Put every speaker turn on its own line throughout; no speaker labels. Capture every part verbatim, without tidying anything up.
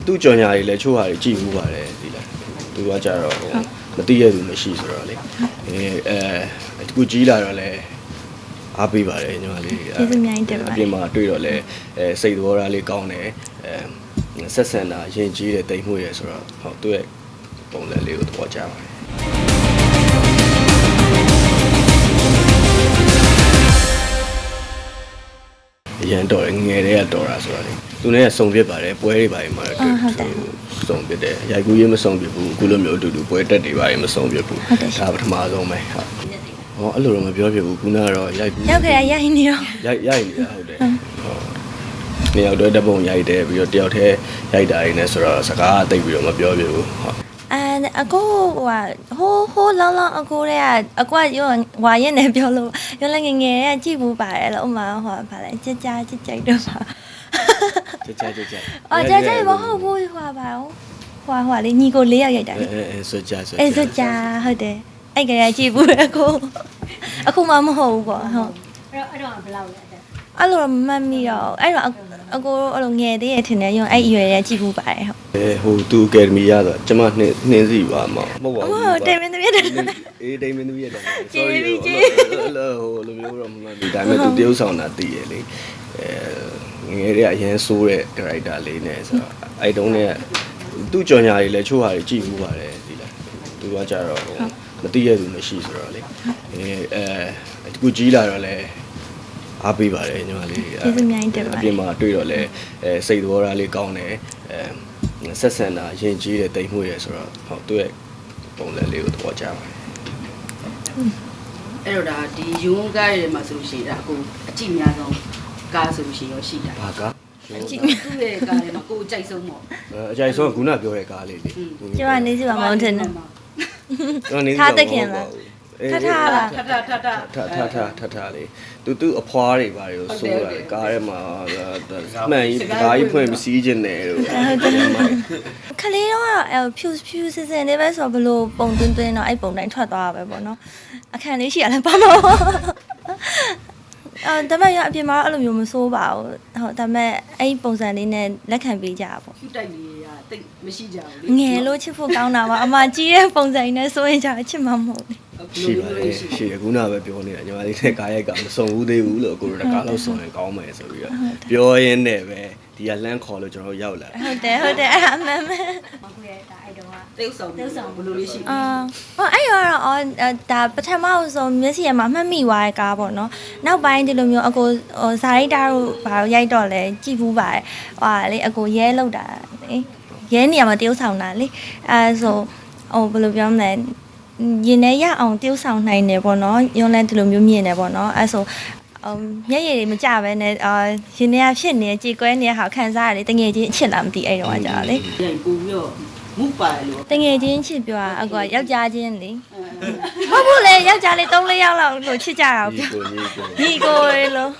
သူ့ကြော်ညာတွေလည်းချိုးဟာတွေကြည့်ဘူးပါတယ်ဒီလားသူကကြတော့မသိရသူမရှိဆိုတော့လေအဲအဲတကူကြီးလာတော့လည်းအားပေးပါတယ်ညီမလေးကျေးဇူးများတင်ပါတယ်အပြင်မှာတွေ့တော့လည်းအဲစိတ်သဘောထားလေးကောင်းတယ်အဲဆက်ဆံတာရင်ကြီးတယ်တိမ်မှုရယ်ဆိုတော့ဟုတ်သူ့ရဲ့ပုံစံလေးကိုသဘောကျပါတယ်ရန်တော်ငယ်တွေကတော်တာဆိုတော့လေသူနဲ့စုံပြစ်ပါတယ်ပွဲတွေပါတယ်မှာတော့စုံပြစ်တယ်ရိုက်ကူးရေးမစုံပြစ်ဘူးအခုလိုမျိုးအတူတူပွဲတက်တွေပါတယ်မစုံပြစ်ဘူးဒါပထမဆုံးပဲဟုတ်ဟောအဲ့လိုတော့မပြောပြဘူးခုနကတော့ရိုက်ကူး
ရောက်ကြရရိုက်နေတော့
ရိုက်ရိုက်နေတာဟုတ်တယ်ဟုတ်နေရောက်တော့တပုံရိုက်တယ်ပြီးတော့တယောက်တည်းရိုက်တာရင်းနဲ့ဆိုတော့စကားတိတ်ပြီးတော့မပြောပြဘူးဟုတ်
အဲအကိုဟိုဟိုဟိုလောင်းလောင်းအကိုတွေကအကွာရောဝါရက်နေပြောလို့ရောလည်းငငယ်တွေကကြည့်ဘူးပါတယ်လို့ဥမာဟောဗာလဲကြကြကြကြိုက်တော့ပါ
ကြကြကြကြ
အော်ကြကြမဟုတ်ဘူးဟွာပါဟွာဟွာလေးညီကိုလေးယောက်ရိုက်တာလေ
အဲအဲဆိုကြဆို
အဲဆိုကြဟုတ်တယ်အဲ့ကလေးကြည့်ဘူးအကိုအခုမှမဟုတ်ဘူးပေါ့ဟုတ်
အဲ့တော့အဲ့တော့ဘယ်လောက်လဲ
အဲ့လိုမမှတ်မိတော့အဲ့တော့အကိုအဲ့လိုငယ်သေးရထင်တယ်ရုံအဲ့အရွယ်ရကြည့်ဘူးပါတယ်ဟုတ်
အဲဟိုသူအကယ်ဒမီရဆိုကျမနှင်းနှင်းစီပါမဟုတ်ပါဘူး
ဟုတ်တယ်မင်းသမီးတယ်
အေးတိမ်မင်းသမီးရတယ် sorry ဟိုလိုမျိုးတော့မမှတ်မိဒါပေမဲ့သူတရုပ်ဆောင်တာတည်ရလေအဲငယ်တွေကအရင်ဆိုးတဲ့ character လေးနဲ့ဆိုတော့အဲ့တုန်းကသူ့ကြော်ညာတွေလည်းချိုးဟာတွေကြည့်ဘူးပါတယ်ဒီလားသူကကြတော့မသိရသူမရှိဆိုတော့လေအဲအဲတကူကြီးလာတော့လည်းအားပေးပါတယ်ညီမလေး
ကျေးဇူးများတင်ပါတယ်
အပြင်မှာတွေ့တော့လည်းအဲစိတ်သဘောထားလေးကောင်းတယ်အဲဆက်ဆံတာရင်ကြီးတယ်တိမ်မှုရယ်ဆိုတော့ဟုတ်သူ့ရဲ့ပုံစံလေးကိုသဘောကျပါတယ်
အဲ့တော့ဒါဒီယူဝန်းကားတွေမှာဆိုလို့ရှိရင်ဒါအခုအကြည့်များဆုံးကားဆိုလို့ရှိရင်ရောရှိတာ
ဘာကား
အကြည့်သူ့ရဲ့ကားတွေမှာကိုယ်အကြိုက်ဆုံးပေါ့
အကြိုက်ဆုံးကခုနပြောတဲ့ကားလေးလေ
ကျမနေစီပါမဟုတ်တယ်နော်
ထားတခင်လား
ထထလား
ထထထထ
ထထထထထလေးသူသူအဖွားတွေပါလို့ဆိုရတယ်ကားထဲမှာမှန်ကြီးဓာကြီးဖွင့်ပြီးစီးခြင်းတယ်လို့
ခလေးတော့ဖြူဖြူစစင်လေးပဲဆိုတော့ဘလို့ပုံသွင်းသွင်းတော့အဲ့ပုံတိုင်းထွက်သွားတာပဲပေါ့နော်အခန့်လေးရှိရလဲပါမောအော်ဒါပေမဲ့ရအပြင်မှာအဲ့လိုမျိုးမစိုးပါဘူးဟုတ်ဒါပေမဲ့အဲ့ပုံစံလေးနဲ့လက်ခံပေးကြတာပေါ့
ဖြူတိုက်လေးရတိတ်မရှိကြဘူး
လေငယ်လို့ချစ်ဖို့ကောင်းတာပါအမကြီးရဲ့ပုံစံနဲ့စိုးရင်ကြချစ်မှာမဟုတ်ဘူး
ရှိပါတယ်ရှိတယ်ခုနကပဲပြောနေတာညီမလေးနဲ့ကားရိုက်ကမစုံဘူးသေးဘူးလို့ကိုရတကားလို့စုံရင်ကောင်းမယ်ဆိုပြီးတော့ပြောရင်းနဲ့ပဲဒီကလမ်းခေါ်လို့ကျွန်တော်ရောက်လာ
ဟုတ်တယ်ဟုတ်တယ်အဲ့အမှန်ပဲ
အခုရဲ့ဒါအဲ့တော့ကတေးဆောင်တေးဆောင်ဘယ်လိုလေးရှိ
အာဟောအဲ့ရောတော့ဒါပထမဆုံးမျက်စိရမှာမှတ်မိသွားတဲ့ကားပေါ့နော်နောက်ပိုင်းဒီလိုမျိုးအကိုဇာရိတာတို့ဘာလို့ရိုက်တော့လဲကြည့်ဘူးပါတယ်ဟဟာလေအကိုရဲလောက်တာလေရဲနေရာမှာတေးဆောင်တာလေအဲဆိုဟိုဘယ်လိုပြောမလဲရင်ထဲရအောင်tiêuဆောင်နိုင်တယ်ပေါ့နော်ရုံးလဲဒီလိုမျိုးမြင်တယ်ပေါ့နော်အဲဆိုမျက်ရည်တွေမကြပဲနဲ့အာရင်ထဲကဖြစ်နေကြေကွဲနေတဲ့ဟာခံစားရတယ်တငယ်ချင်းအချစ်လားမသိအဲ့တော့ကြာလေ
ပြန်ပူပြီးတော့မူပါလို့
တငယ်ချင်းချစ်ပြောအကွာယောက်ျားချင်းလေဟုတ်ဘူးလေယောက်ျားလေး၃-၄ယောက်လောက်လို့ချစ်ကြတာပြောညီကိုရေလို့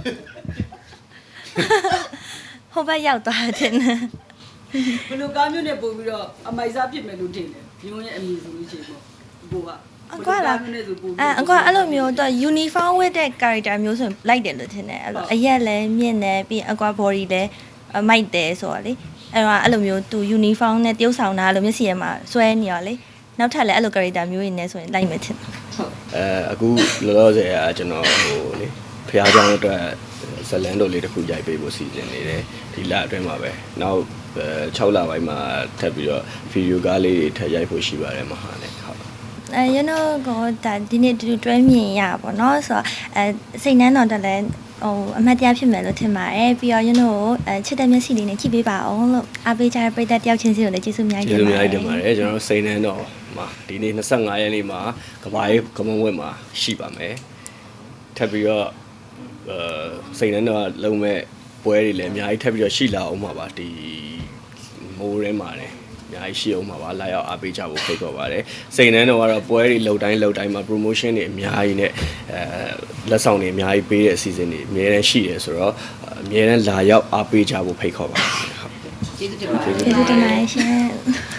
ဟိုဘက်ရောက်သွားတယ်
ဘယ်လိုကားမျိုးနဲ့ပို့ပြီးတော့အမိုက်စားဖြစ်မယ်လို့ထင်တယ်ဒီလိုနဲ့အမည်ဆိုလို့ရှိရင်ပေါ့ကိုကအ
ကွာလားအဲအကွာအဲ့လိုမျိုးတော့ uniform ဝတ်တဲ့ character မျိုးဆိုရင်လိုက်တယ်လို့ထင်တယ်အဲ့လိုအရက်လည်းမြင့်တယ်ပြီးအကွာ body လည်းမိုက်တယ်ဆိုတော့လေအဲ့တော့အဲ့လိုမျိုးသူ uniform နဲ့တယောက်ဆောင်တာလို့မျက်စိရမှာစွဲနေရောလေနောက်ထပ်လည်းအဲ့လို character မျိုးတွေနဲ့ဆိုရင်လိုက်မယ်ထင်
ဟုတ်အဲအခုလောလောဆယ်ကကျွန်တော်ဟိုလေဖျားကြောင်အတွက်ဇလန်တော်လေးတစ်ခုရိုက်ပေးဖို့စီစဉ်နေတယ်ဒီလအတွင်းမှာပဲနောက်၆လပိုင်းမှာထပ်ပြီးတော့ဗီဒီယိုကားလေးတွေထပ်ရိုက်ဖို့ရှိပါတယ်မဟာနဲ့ဟုတ်
အဲ you know ကိုဒါဒီနေ့တူတွဲမြင်ရပါတော့เนาะဆိုတော့အဲစိတ်နှမ်းတော်တက်လဲဟိုအမှတ်တရဖြစ်မယ်လို့ထင်ပါတယ်ပြီးတော့ you know အဲချစ်တဲ့မျက်စိလေးနဲ့ကြည့်ပေးပါအောင်လို့အားပေးကြတဲ့ပရိသတ်တယောက်ချင်းစီကိုလည်းကျေးဇူးအများကြီး
တင်ပါတယ်ကျေးဇူးအများကြီးတင်ပါတယ်ကျွန်တော်စိတ်နှမ်းတော်မှာဒီနေ့၂၅ရက်နေ့မှာကဘာရေးကမွန်ဝက်မှာရှိပါမယ်ထပ်ပြီးတော့အဲစိတ်နှမ်းတော်လုံးမဲ့ပွဲတွေလည်းအများကြီးထပ်ပြီးတော့ရှိလာအောင်ပါပါဒီမိုးရဲမှာတယ်အများကြီးရှိအောင်ပါပါလာရောက်အားပေးကြဖို့ဖိတ်ခေါ်ပါတယ်စိန်နှန်းတော့ကတော့ပွဲတွေလှုပ်တိုင်းလှုပ်တိုင်းမှာ promotion တွေအများကြီးနဲ့အဲလက်ဆောင်တွေအများကြီးပေးတဲ့အစီအစဉ်တွေအများတန်းရှိတယ်ဆိုတော့အများတန်းလာရောက်အားပေးကြဖို့ဖိတ်ခေါ်ပါတယ်ဟုတ်
ကျေးဇူးတင်ပါတယ်
ကျေးဇူးတင်ပါတယ်ရှင်